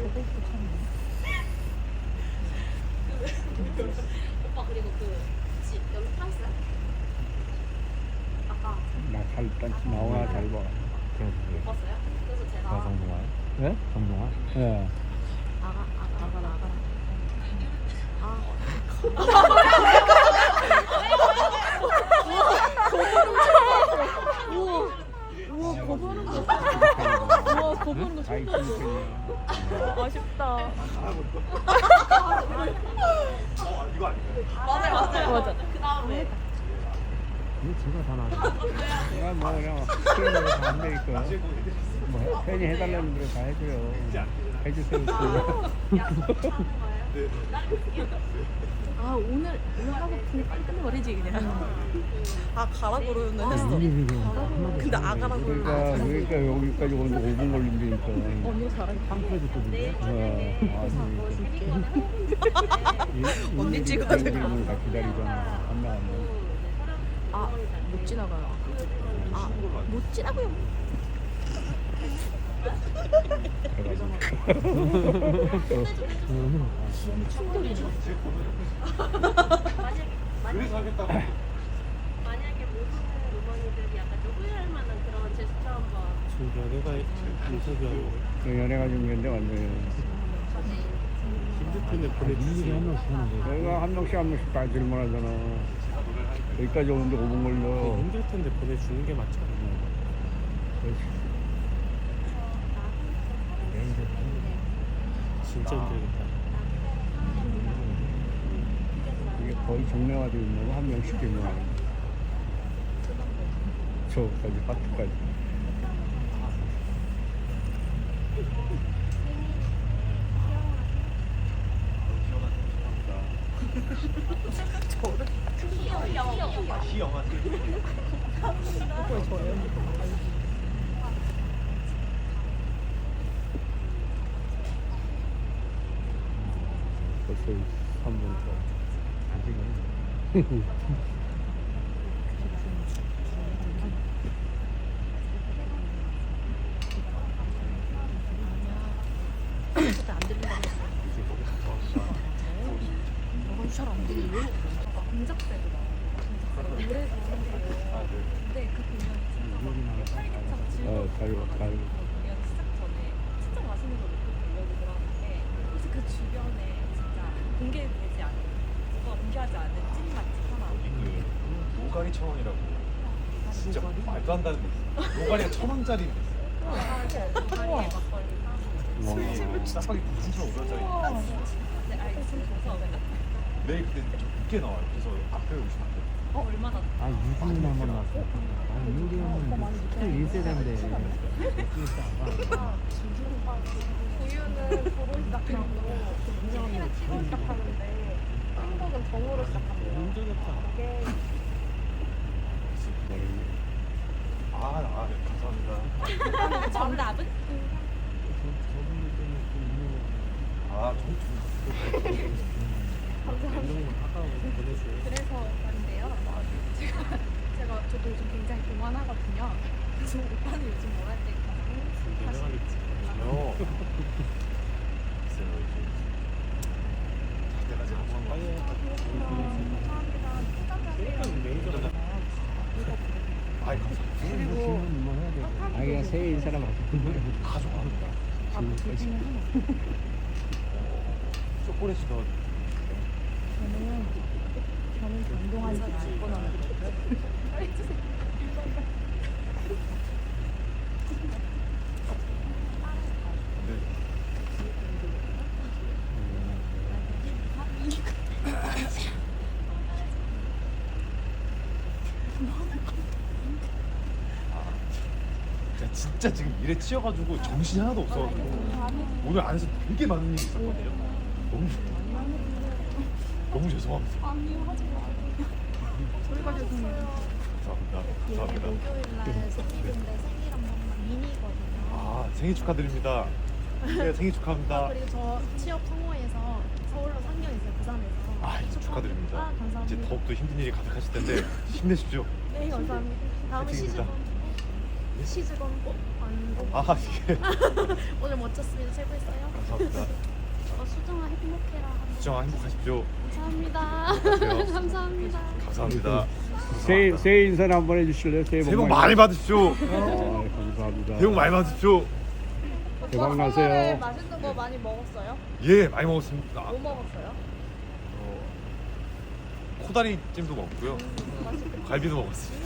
오빠 그리고 집 여기 타있어요? 아까 나잘 나오나 잘 봐. 못 봤어요? 그래서 제가 정동아? 예? 정동아? 예. 아가라 우와 거부는 거 아이 그 아쉽다. 맞아요. 그 다음에 이거 제가 다 나왔네. 내가 뭐 그냥 시키는 대로 다 한다니까. 뭐 팬이 해달라는 대로 다 해줘요. 해주세요. 아 오늘 하고 그냥 빨리 끝내버리지 그냥. 아 가라 그러면 했어. 근데 아가라 그러니까 여기까지 오는데 5분 걸린다니까. 언니 잘하게 빵표도 뜯는데? 언니 찍어야 돼. 다 기다리잖아. 안 나가면. 아못 지나가요. 아못 지나고요. 충돌이네. 만약에 모든 어머니들이 약간 좀 후회할 만한 그런 제스처 한번 연애가 인터뷰하고 연애가 중요한데 완전히. 핸드폰에 보내주지. 한 명씩 하는 거야. 내가 한 명씩 다 질문하잖아. 여기까지 오는데 5분 걸려. 힘들 텐데 보내주는 게 맞지 않나? 그렇지. 진짜 힘들겠다. 이게 거의 정례화되어 있는 거 한 명씩 질문하는 거. 저까지 파트까지. 벌써 3분 차. 아직은. 안 들린다고 했어. 너무 잘안 들려. 공작새도 노래도 근데 그 공연 활기차고 즐거웠어요. 가요. 공연 시작 전에 진짜 맛있는 거 먹고 가려고 들어왔는데 혹시 그 주변에 진짜 공개되지 않은 누가 공개하지 않은 찐 맛집 하나 그 노가리 1,000원이라고 진짜 말도 안 되는 데 있어. 노가리가 1,000원짜리 다리에 막걸리 따고 짜파게티 3,500원짜리 네 알겠습니다. 내일 그때 좀 늦게 나와요. 그래서 앞에 오시면 안 돼요. 얼마나 아, 유진이 한번 나왔어. 아, 유진이 형은 1세대인데. 우유는 도로 시작하고 치킨은 치고 시작하는데 한국은 정으로 시작합니다. 힘들겠다. 이게 네, 감사합니다. 정답은? 저분들 때문에 또 있는 거. 감사합니다. 아까워 보내줘요. 그래서 말인데요. 저도 요즘 굉장히 교만하거든요. 그래서 오빠는 요즘 뭐 할 때 가장 하시는지 저요. 글쎄요, 내가 제가 감사합니다. 매니저가 아이 감사합니다. 그리고 뭐 해야 돼. 아기가 새해 인사나 맞고. 다 좋아합니다. 초콜릿이 더 저는 운동하지 않거나 네. 제가 진짜 지금 일에 치여가지고 정신이 하나도 없어가지고 오늘 안에서 되게 많은 일이 있었거든요. 너무 죄송합니다. 저희가 죄송해요. 감사합니다. 목요일날 생일인데 생일 한 번만 미니거든요. 아 생일 축하드립니다. 네, 생일 축하합니다. 그리고 저 취업 성공해서 서울로 상경 있어요. 부산에서. 아 축하드립니다. 감사합니다. 이제 더욱더 힘든 일이 가득하실 텐데 힘내십시오. 네 감사합니다. 다음에 파이팅입니다. 시즌 시즈건 아니고 아 예. 오늘 멋졌습니다. 최고였어요. 감사합니다. 수정아 행복해라. 수정아 행복하십시오. 감사합니다. 안녕하세요. 감사합니다. 감사합니다. 새해 인사를 한번 해주실래요? 새해 복 많이 받으십시오. 감사합니다. 새해 복 많이 받으십시오. 대박 나세요. 맛있는 거 많이 먹었어요? 예, 많이 먹었습니다. 뭐 먹었어요? 코다리 찜도 먹고요. 갈비도 먹었어요.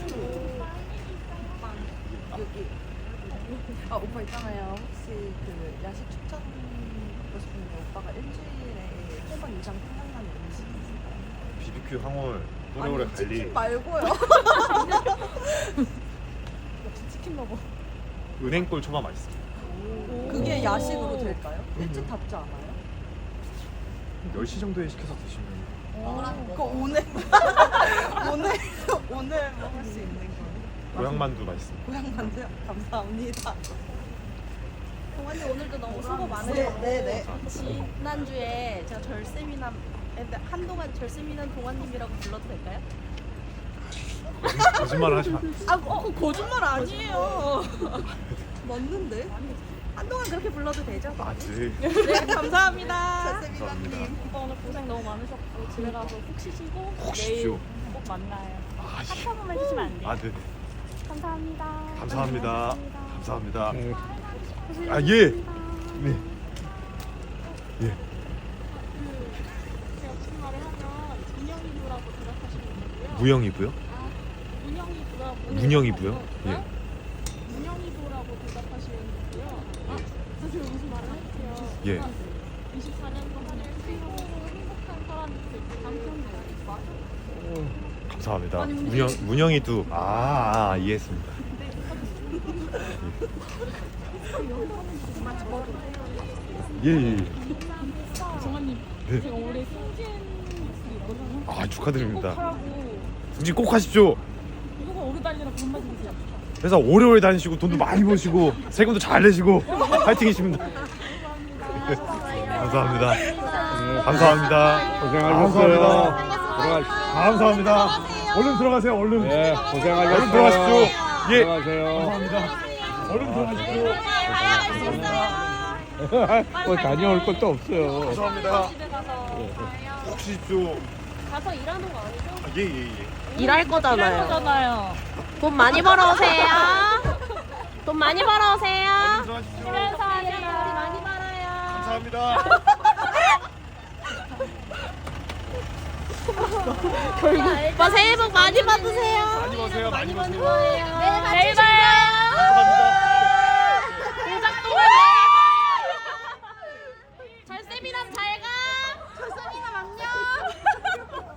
아 오빠 있잖아요. 혹시 그 야식 추천 받고 싶은데 오빠가 일주일에 3번 이상 생각나는 음식 있을까요? BBQ 항월, 또래오래 갈리. 치킨 말고요. 역시 치킨 먹어. 은행골 초밥 맛있습니다. 그게 야식으로 될까요? 일찍 닫지 않아요? 10시 정도에 시켜서 드시면 그 오늘 오늘 먹을 수 있는 거예요? 고향만두 맛있습니다. 고향 만두요? 감사합니다. 동환님 오늘도 너무 수고 많으셨고 네네. 지난주에 제가 절세미남 한동안 절세미남 동환님이라고 불러도 될까요? 거짓말 하시면 거짓말 아니에요. 맞는데? 한동안 그렇게 불러도 되죠? 맞지. 네 감사합니다. 감사합니다. 오빠 오늘 고생 너무 많으셨고 집에 가서 푹 쉬시고 혹 쉬십시오. 꼭 만나요. 아, 예. 한 번만 해주시면 안 돼요? 아, 네네. 감사합니다. 감사합니다. 감사합니다. 네. 아, 예. 네. 예. 제가 무슨 말을 하면 문영이부라고 대답하시면 되고요. 무영이부요? 문영이부라고 문영이부요? 예. 문영이부라고 대답하시면 되고요. 사실 무슨 말을 할게요. 예. 24년 동안을 행복한 사람이 될때 남편도 감사합니다. 아니, 근데 문영이도 이해했습니다. 예, 예, 예. 정환님 네. 제가 올해 승진 있거든요. 아, 축하드립니다. 하라고 승진 꼭 하십시오. 누가 오래 달리라고 한마디 해주세요. 회사 오래오래 다니시고 돈도 많이 버시고 세금도 잘 내시고 파이팅이십니다. 감사합니다. 감사합니다. 고생하셨어요. 감사합니다. 감사합니다. 얼른 들어가세요. 얼른. 네, 고생하셨어요. 얼른 들어가십시오. 예. 들어가세요. 감사합니다. 얼른 들어가십시오. 뭐 다녀올 것도 없어요. 감사합니다. 집에 가서 꼭 쉬십시오. 가서 일하는 거 아니죠? 아, 예, 예, 예. 일할 거잖아요. 거잖아요. 돈 많이 벌어오세요. 돈 많이 벌어오세요. 얼른 들어가십시오. 우리 많이 벌어요. 감사합니다. 오빠 새해 복 많이 받으세요. 많이 버세요. 많이 버세요. 내일 봐요. 감사합니다. 공작동은 절세미남 잘 가. 절세미남 안녕.